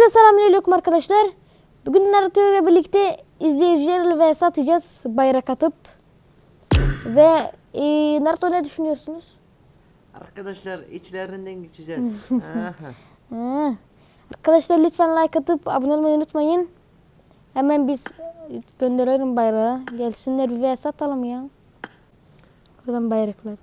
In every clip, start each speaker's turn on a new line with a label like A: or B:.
A: Hepinize selamünaleyküm arkadaşlar. Bugün Naruto ile birlikte izleyicilerle vs atacağız bayrak atıp. Ve Naruto ne düşünüyorsunuz?
B: Arkadaşlar içlerinden geçeceğiz.
A: Arkadaşlar lütfen like atıp abone olmayı unutmayın. Hemen biz gönderelim bayrağı. Gelsinler bir vs atalım ya. Buradan bayraklar.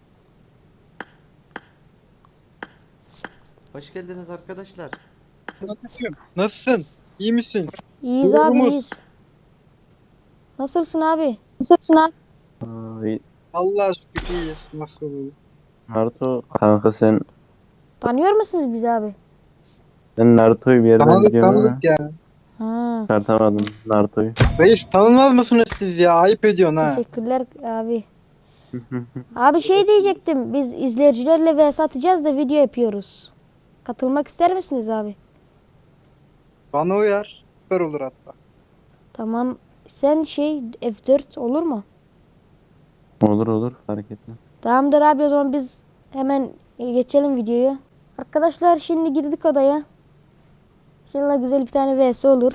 B: Hoş geldiniz arkadaşlar.
C: Nasılsın? İyi misin?
A: İyiyiz abi,
C: Doğrumuz.
A: iyiyiz. Nasılsın abi?
C: Allah'a şükür iyiyiz. Nasıl olur?
D: Naruto kanka
A: Tanıyor musunuz bizi abi?
D: sen Naruto'yu bir yerden
C: Tanıdık
D: biliyorsun ama
C: tanıdık ya.
A: Ha,
D: çıkartamadım Naruto'yu.
C: Reis tanınmaz mısınız siz ya? Ayıp ediyorsun ha.
A: teşekkürler abi. Abi şey diyecektim. Biz izleyicilerle vs atacağız da video yapıyoruz. Katılmak ister misiniz abi?
C: Bana uyar. Süper olur hatta.
A: Tamam. Sen F4 olur mu?
D: Olur fark etmez.
A: Tamamdır abi, o zaman biz hemen geçelim videoyu. Arkadaşlar şimdi girdik odaya. İnşallah güzel bir tane vs olur.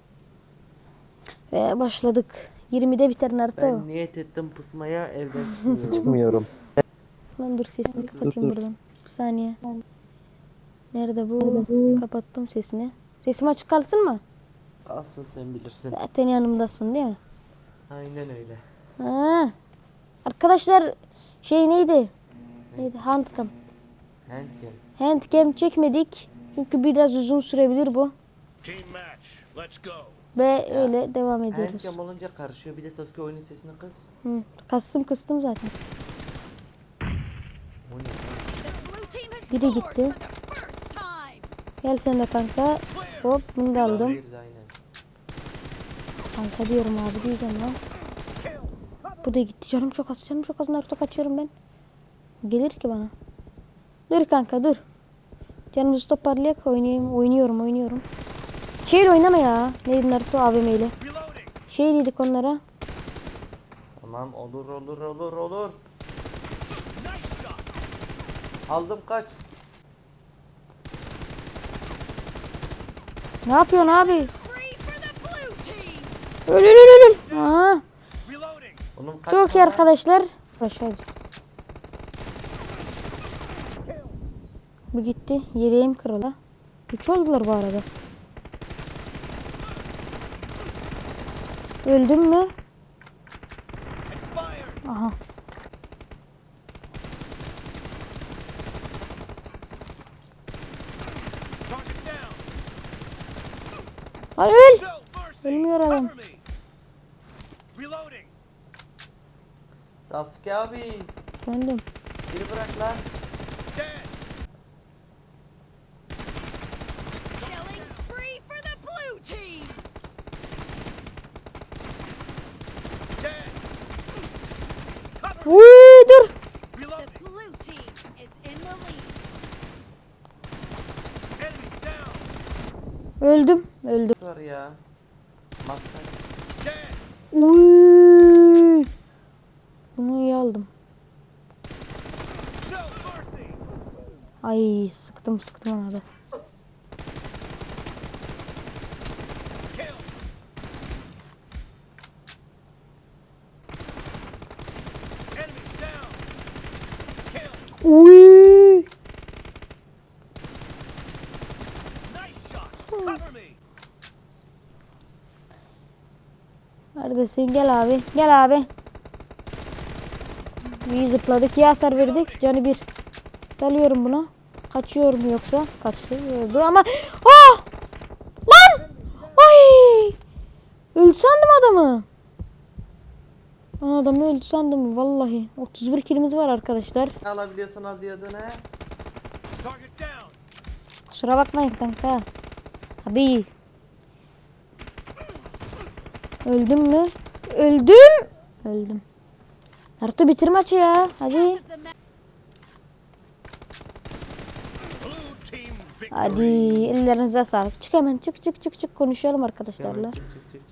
A: Ve başladık. 20'de biter Naruto.
B: Ben niyet ettim pusmaya, evden çıkmıyorum.
D: Çıkmıyorum.
A: Lan dur, sesini kapatayım buradan. Bir saniye. Nerede bu? Kapattım sesini. Sesim açık kalsın mı?
B: Alsın, sen bilirsin.
A: Zaten yanımdasın değil mi?
B: Aynen öyle.
A: Ha. Arkadaşlar neydi? Handcam.
B: Handcam.
A: Handcam çekmedik. Çünkü biraz uzun sürebilir bu.
E: Team match. Let's go.
A: Ve öyle devam ediyoruz.
B: Handcam olunca karışıyor. Bir de Sasuke oyunun sesini kız.
A: Kıstım zaten.
B: O ne?
A: Biri gitti. Gel sen de kanka. Hop, bunu da aldım.
B: Bir de aynen.
A: Kanka diyorum abi, diyeceğim lan. Bu da gitti. Canım çok az Naruto, kaçıyorum ben. Gelir ki bana. Dur kanka dur. Canımızı toparlayak, oynuyorum. Şeyle oynama ya. Neydi Naruto, AVM ile.
E: Reloading.
A: Dedik onlara.
B: Tamam, olur.
E: Nice shot.
B: Aldım, kaç.
A: Ne yapıyorsun abi?
F: Free for the blue team.
A: Öl. Aha.
E: Reloading.
B: Oğlum kaç.
A: Çok iyi arkadaşlar. Aşağı. Bu gitti. Yeleğim kırıldı. 3 oldular bu arada. Öldüm mü?
E: Expired.
A: Aha.
E: Target down.
A: Lan öl.
E: No mercy.
A: Ölmüyor adam.
E: Cover me. Reloading.
B: Sasuke abi.
A: Öldüm.
B: Biri bırak lan.
E: Dead.
F: Killing spree for the blue team.
E: Dead.
A: Dur.
E: Reloading.
F: The blue team is in the lead.
E: Enemy down.
A: Öldüm.
B: Var ya. Maskar.
E: Dead.
A: Uy. Bunu iyi aldım.
E: No mercy.
A: Ay, sıktım ona da.
E: Kill. Enemy down. Kill.
A: Uy.
E: Nice shot. Cover me.
A: Neredesin? Gel abi. İyi zıpladık. İyi hasar verdik. Canı bir. Dalıyorum buna. Kaçıyor mu yoksa? Kaçıyordu ama. Ah! Lan! Ay! Öldü sandım adamı. Ben adamı öldü sandım vallahi. 31 kilimiz var arkadaşlar.
B: Ne alabiliyorsan al diyordun he.
E: Target down.
A: Kusura bakmayın kanka. Abi. Öldüm mü? Öldüm. Naruto bitir maçı ya. Hadi.
F: The ma-
E: Blue team victory.
A: Hadi. Ellerinize sağlık. Çık hemen. Çık. Konuşalım arkadaşlarla.
B: Çık.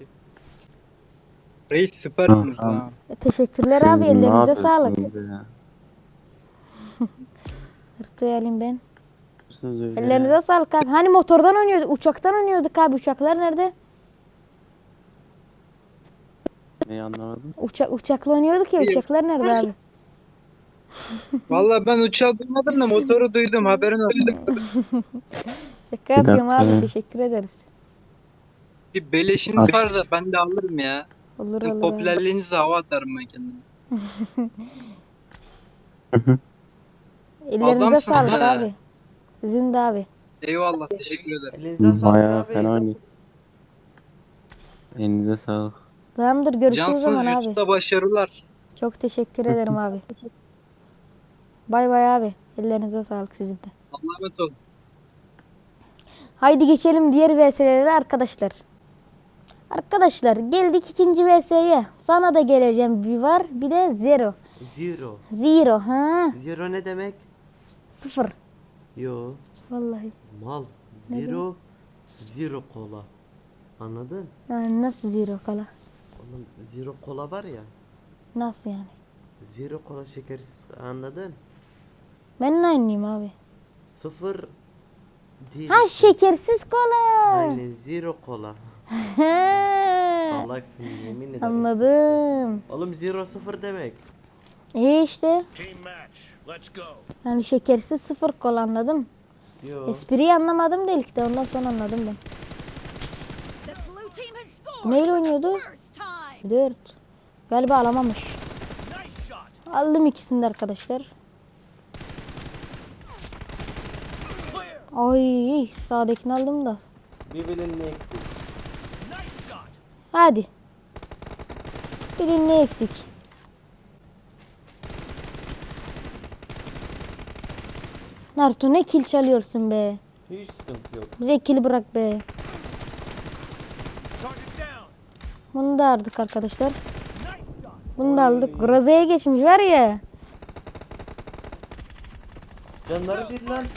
C: Reis süpersiniz
D: Tamam.
C: ha.
A: Teşekkürler
D: Sen
A: abi.
D: ne
A: Ellerinize
D: yapıyorsun
A: sağlık.
D: burada ya?
A: Naruto'yu alayım ben.
D: yapıyorsunuz öyle
A: Ellerinize
D: ya?
A: sağlık abi. Hani motordan oynuyorduk, uçaktan oynuyorduk abi. Uçaklar nerede?
D: Neyi anlamadım?
A: Uçakla oynuyorduk ya. Uçaklar nerede abi?
C: Vallahi ben uçağı duymadım da motoru duydum, haberin olsun.
A: Şaka yapıyorum
D: dakika.
A: abi. Teşekkür ederiz.
C: Bir beleşiniz var da ben de alırım ya.
A: Olur
C: Sizin
A: olur abi.
C: popülerliğinize hava atarım ben kendime.
A: Ellerinize
C: Adamsın
A: sağlık
C: ha.
A: abi. Sizin de abi.
C: Eyvallah, teşekkür ederim.
B: Elinize sağlık
D: Bayağı
B: abi.
D: fena oynuyor. Elinize sağlık.
A: Tamamdır görüşürüz o
C: Cansınız,
A: zaman abi.
C: YouTube'da başarılar.
A: Çok teşekkür ederim abi. Bay bay abi. Ellerinize sağlık sizin de.
C: Allah'a emanet olun.
A: Haydi geçelim diğer VS'lere arkadaşlar. Arkadaşlar geldik ikinci VS'ye. Sana da geleceğim bir var bir de zero.
B: Zero.
A: Zero ha.
B: Zero ne demek?
A: Sıfır.
B: Yo.
A: Vallahi.
B: Mal. Zero. Zero kola. Anladın?
A: Yani nasıl zero kala?
B: Oğlum zero kola var ya.
A: Nasıl yani?
B: Zero kola şekersiz, anladın?
A: Ben de aynıyım abi.
B: Sıfır değil.
A: Ha şekersiz kola.
B: Aynen zero kola.
A: He.
B: Salaksın yemin ederim.
A: Anladım.
B: Oğlum zero sıfır demek.
A: İyi işte.
E: Team match. Let's go.
A: Yani şekersiz sıfır kola anladım.
B: Yo.
A: Espriyi anlamadım da ilk de ondan sonra anladım ben.
F: The blue team has scored.
A: Neyle oynuyordu?
F: First time.
A: 4. Galiba alamamış.
E: Nice shot.
A: Aldım ikisini de arkadaşlar.
E: Clear.
A: Ay sağdakini aldım da.
B: Birbirinin eksik.
E: Nice shot.
A: Hadi. Birinin ne eksik? Naruto ne kill çalıyorsun be.
B: Hiç sıkıntı yok.
A: Bize kill bırak be.
E: Target down.
A: Bunu da aldık arkadaşlar.
E: Nice shot.
A: Bunu da aldık. Groze'ye geçmiş var ya.
B: Canları bir lan.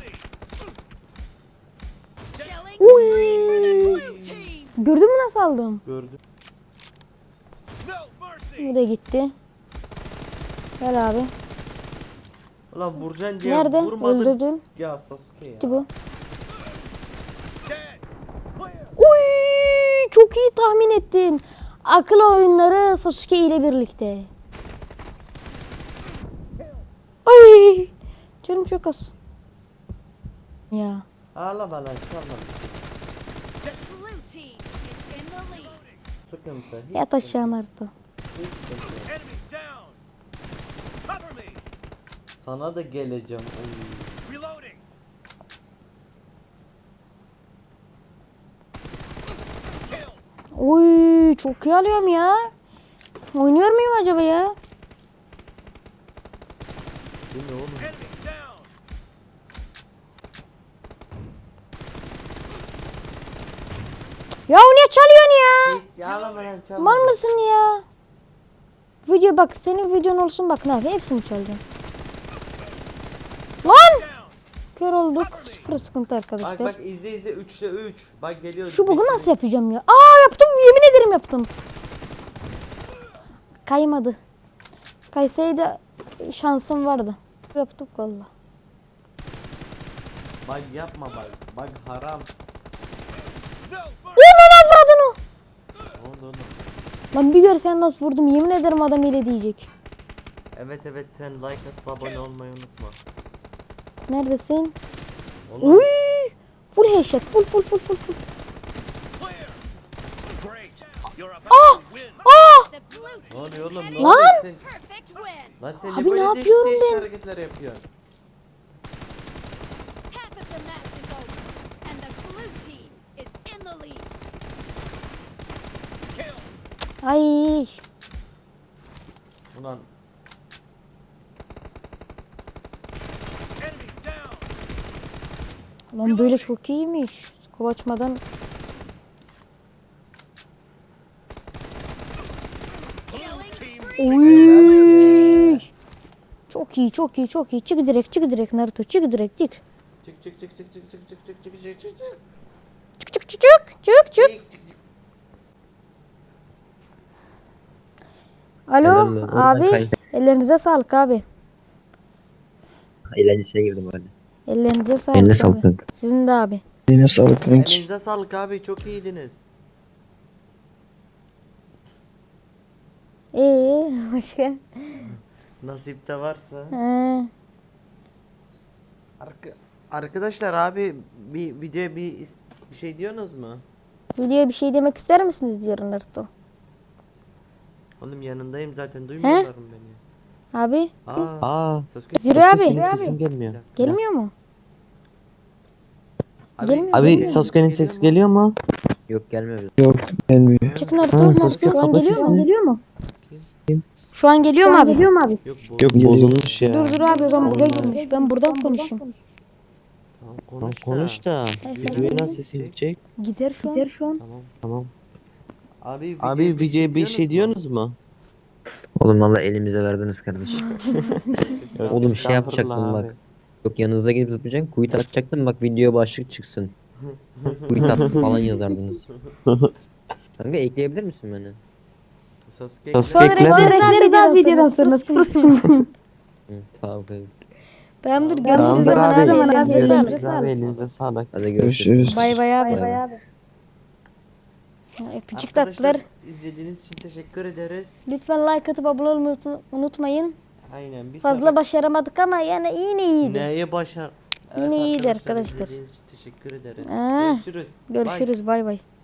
F: Killing
A: Uy.
F: spree for the blue team.
A: Gördün mü nasıl aldım?
B: Gördüm.
E: No mercy.
A: Bu da gitti. Gel abi.
B: Ulan vuracaksın diye
A: Nerede?
B: vurmadın.
A: Öldürdün.
B: Ya Sasuke ya.
A: Gitti bu.
E: Dead. Clear.
A: Uy, çok iyi tahmin ettin. Akıl oyunları Sasuke ile birlikte. Ay, canım çok az. Ya.
B: Ağlama lan çalma.
F: The blue team is in the lead.
B: Sıkıntı. Hiç
A: Yat
B: sıkıntı
A: aşağı
B: yok.
A: Naruto.
B: Hiç sıkıntı yok.
E: Enemy down. Cover me.
B: Sana da geleceğim. Oy.
E: Reloading. Kill.
A: Uy, çok iyi alıyorum ya. Oynuyor muyum acaba ya?
B: Bu ne oğlum?
E: Enemy down.
A: Ya niye çalıyorsun ya?
B: Ya ağlama lan çalma.
A: Mal mısın ya? Video bak senin videon olsun bak ne yapayım hepsini çalacağım. Lan!
E: Down.
A: Kör olduk. Sıfır sıkıntı
B: Bak
A: arkadaşlar.
B: bak izle izle 3'te 3. Bak geliyor.
A: Şu bugu
B: peşine.
A: nasıl yapacağım ya? Aa yaptım yemin ederim yaptım. Kaymadı. Kaysaydı şansım vardı. Yaptık valla.
B: Bak yapma bak. Bak haram.
E: No mercy.
A: Ulan avradın o.
B: Ne oldu oğlum?
A: Lan bir görsen nasıl vurdum yemin ederim adam ile diyecek.
B: Evet evet sen like atıp abone olmayı unutma.
A: Neredesin?
B: Oğlum.
A: Uy! Full headshot. Full.
E: Clear. Great. You're about to win.
F: The blue
B: Ne
F: team
B: oluyor
F: is
B: oğlum?
F: heading
B: Ne
A: Lan!
B: oluyor sen?
F: perfect win.
B: Lan sen
A: Abi
B: niye böyle
A: ne
B: değişik
A: yapıyorum
B: değişik
A: ben?
B: hareketler yapıyorsun?
F: Half of the match is over, and the blue team is in the lead.
E: Kill.
A: Ay.
B: Ulan
E: Enemy down.
A: Lan böyle çok iyiymiş. Kovaçmadan.
F: Killing
E: Team
F: spree.
A: Uy. Çok iyi. Çık direkt Naruto. Çık direkt.
B: çık.
A: Çık. Alo
G: Neden mi? Oradan
A: abi.
G: kay.
A: Ellerinize sağlık abi.
G: Eğlencesine girdim hadi.
A: Ellerinize sağlık.
G: Eline
A: abi.
G: sağlık kanka.
A: Sizin de abi.
C: Yine sağlık kanki.
B: Elinize sağlık abi, çok iyiydiniz.
A: Başka?
B: Nasip de varsa.
A: He.
B: Arkadaşlar abi bir videoya bir şey diyorsunuz mu?
A: Videoya bir şey demek ister misiniz diyor Naruto.
B: Oğlum yanındayım zaten, duymuyorlar mı beni?
A: Abi
G: Aa.
B: Sasuke,
A: Züro abi.
G: Senin sesin gelmiyor.
A: Gelmiyor mu? Gelmiyor.
G: Abi Sasuke'nin sesi geliyor mu? Yok gelmiyor.
C: Yok gelmiyor.
A: Çık Naruto.
G: Ha, Sasuke
A: Şu an
G: kapa
A: geliyor mu?
G: sesini.
A: Şu an geliyor mu abi?
B: Yok bu.
G: Yok bozulmuş ya.
A: Dur abi o zaman buraya girmiş. Ben buradan konuşayım.
B: Tamam,
G: Tamam
B: konuş da.
G: konuş da. Videoya nasıl sesin gidecek?
A: Gider şu an.
B: Tamam.
G: Tamam.
B: Abi
G: Videoya bir şey diyorsunuz mu? Oğlum valla elimize verdiniz kardeşim. Oğlum şey yapacaktım bak. Yok yanınıza gelip zıplayacaksın. Kuyut atacaktım bak video başlık çıksın. Kuyut at falan yazardınız. Kanka ekleyebilir misin beni?
B: Sasuke.
A: Sonra ekleriz abi videodan sonra.
G: Hı, tamam kanka.
A: Tamamdır görüşürüz
G: Tamamdır
A: zaman
G: abi.
A: abi. Elinize sağlık.
G: Görüşürüz abi elinize sağlık. Hadi görüşürüz.
C: Görüşürüz.
A: Bay bay abi.
G: Bay bay.
A: Öpücük
B: Arkadaşlar,
A: tatlılar.
B: izlediğiniz için teşekkür ederiz.
A: Lütfen like atıp abone olmayı unutmayın.
B: Aynen. Bir
A: Fazla başaramadık ama yani yine iyiydi.
B: Neye başar?
A: Yine iyiydi arkadaşlar.
B: İzlediğiniz için teşekkür ederiz.
A: Aa,
B: Görüşürüz. Bye.
A: Görüşürüz bay bay.